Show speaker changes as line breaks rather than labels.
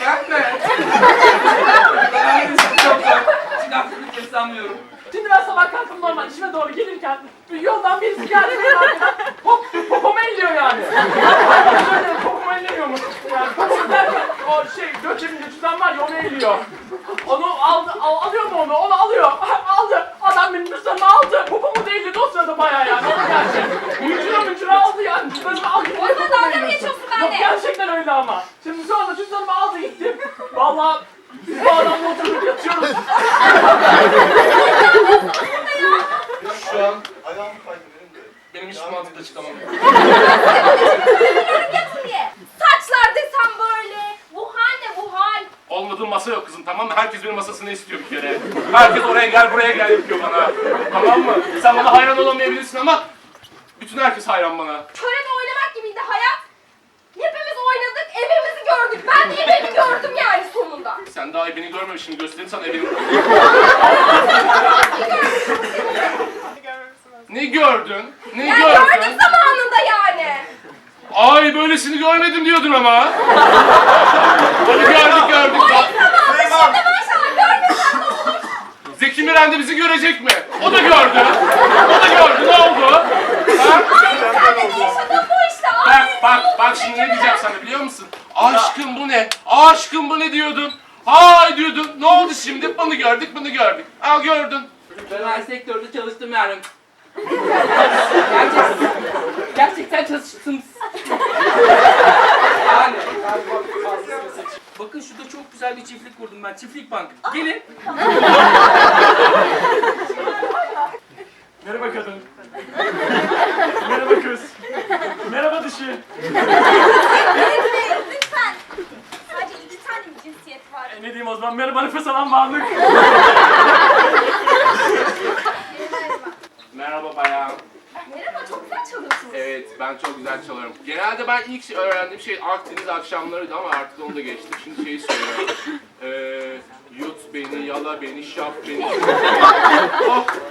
Gelme. Şimdi aklımı kesamıyorum.
Şimdi ben sabah kalktım normal işime doğru gelirken yoldan birisi geldi benim arkadan popomu elliyor yani. Şöyle popomu ellemiyor mu? Yani popom derken o Gökçe'nin cüzdan var ya onu elliyor. Onu alıyor mu onu? Onu alıyor. Aldı. Adam benim cüzdanımı aldı. Popomu da elledi o sırada bayağı yani. Onu gerçek. Müncüre aldı yani. Cüzdanımı aldı.
Orada dalga mı geçiyorsun benimle?
Yok gerçekten öyle ama. Şimdi sonra cüzdanımı aldı gittim. Vallahi biz bu adamla oturduk yatıyoruz.
Şu an benim hiç mantıklı çıkamam.
Yatın diye. Saçlar desem böyle. Bu hal ne bu hal?
Olmadığı masa yok kızım, tamam mı? Herkes benim masasını istiyor bir kere. Herkes oraya gel buraya gel yapıyor bana. Tamam mı? Sen bana hayran olamayabilirsin ama bütün herkes hayran bana.
Körede oynamak gibiydi hayat. Hepimiz oynadık, evimizi gördük. Ben de evimi gördüm yani sonunda.
Sen daha evini görmemişsin, göstereyim sana evini. Ne gördün? Ne
Ya
gördün?
gördük zamanında yani.
Ay böylesini görmedim diyordun ama. Hadi gördük.
Şimdi maşallah görmesem ne olur?
Zeki Müren de bizi görecek mi? O da gördü. Ne oldu? Ha?
Sen de yaşadın bu işte.
Bak şimdi ne diyeceğim sana biliyor musun? Aşkım bu ne? Aşkım bu ne diyordun? Hay diyordun. Ne oldu şimdi? Bunu gördük. Al gördün.
Ben sektörde çalıştım yani. Gerçekten çalıştım. Yani. Bakın şurada çok güzel bir çiftlik kurdum ben. Çiftlik bank. Gelin.
Merhaba kadın. Merhaba kız. Merhaba dişi.
Lütfen. Sadece 2 tane mi cinsiyet var?
Ne diyeyim o zaman? Merhaba nefes alan varlık.
Merhaba bayan.
Merhaba, çok güzel çalıyorsunuz.
Evet ben çok güzel çalıyorum. Genelde ben ilk öğrendiğim şey Akdeniz akşamlarıydı ama artık onu da geçtim. Şimdi şeyi söylüyorum. Yut beni, yala beni, şap beni. Oh,